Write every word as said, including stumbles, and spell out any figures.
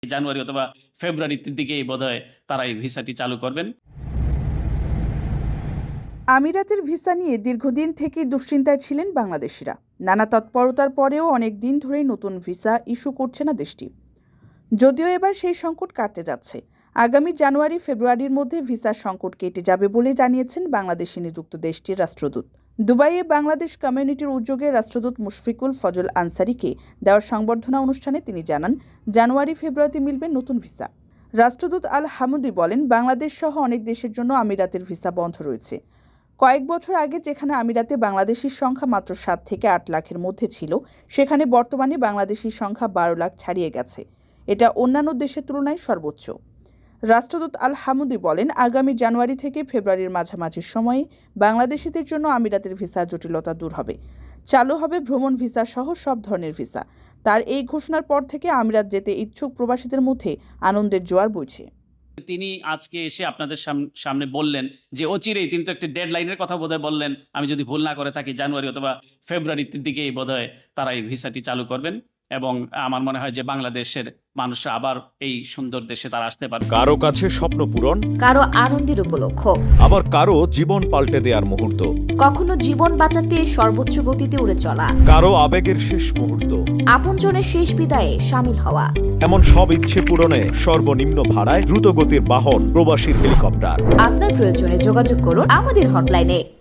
জানুয়ারি অথবা ফেব্রুয়ারির দিকেই বোধহয় তারা এই ভিসাটি চালু করবেন। আমিরাতের ভিসা নিয়ে দীর্ঘদিন থেকেই দুশ্চিন্তায় ছিলেন বাংলাদেশিরা। নানা তৎপরতার পরেও অনেক দিন ধরেই নতুন ভিসা ইস্যু করছে না দেশটি। যদিও এবার সেই সংকট কাটতে যাচ্ছে। আগামী জানুয়ারি ফেব্রুয়ারির মধ্যে ভিসার সংকট কেটে যাবে বলে জানিয়েছেন বাংলাদেশে নিযুক্ত দেশটির রাষ্ট্রদূত। দুবাইয়ে বাংলাদেশ কমিউনিটির উদ্যোগে রাষ্ট্রদূত মুশফিকুল ফজল আনসারিকে দেওয়া সংবর্ধনা অনুষ্ঠানে তিনি জানান, জানুয়ারি ফেব্রুয়ারিতে মিলবে নতুন ভিসা। রাষ্ট্রদূত আল হামুদি বলেন, বাংলাদেশ সহ অনেক দেশের জন্য আমিরাতের ভিসা বন্ধ রয়েছে। কয়েক বছর আগে যেখানে আমিরাতে বাংলাদেশির সংখ্যা মাত্র সাত থেকে আট লাখের মধ্যে ছিল, সেখানে বর্তমানে বাংলাদেশির সংখ্যা বারো লাখ ছাড়িয়ে গেছে। এটা অন্যান্য দেশের তুলনায় সর্বোচ্চ। রাষ্ট্রদূত আল হামুদি বলেন, আগামী জানুয়ারি থেকে ফেব্রুয়ারির মাঝামাঝি সময়ে বাংলাদেশিদের জন্য আমিরাতের ভিসা জটিলতা দূর হবে। চালু হবে ভ্রমণ ভিসা সহ সব ধরনের ভিসা। তার এই ঘোষণার পর থেকে আমিরাত যেতে ইচ্ছুক প্রবাসীদের মধ্যে আনন্দের জোয়ার বইছে। তিনি আজকে এসে আপনাদের সামনে বললেন যে অচিরেই, তিনি তো একটা ডেডলাইনের কথা বোধহয় বললেন, আমি যদি ভুল না করে থাকি জানুয়ারি অথবা ফেব্রুয়ারির দিকেই বোধহয় তারা এই ভিসাটি চালু করবেন এবং আমার মনে হয় যে বাংলাদেশের মানুষরা আবার এই সুন্দর দেশে তারা আসতে পারবে। কারো কাছে স্বপ্ন পূরণ, কারো আনন্দের উপলক্ষ, আবার কারো জীবন পাল্টে দেওয়ার মুহূর্ত, কখনো জীবন বাঁচাতে সর্বোচ্চ গতিতে উড়ে চলা, কারো আবেগের শেষ মুহূর্ত, আপনজনের শেষ বিদায়ে শামিল হওয়া। এমন সব ইচ্ছে পূরণে সর্বনিম্ন ভাড়ায় দ্রুতগতির বাহন প্রবাসীর হেলিকপ্টার। আপনার প্রয়োজনে যোগাযোগ করুন আমাদের হটলাইনে।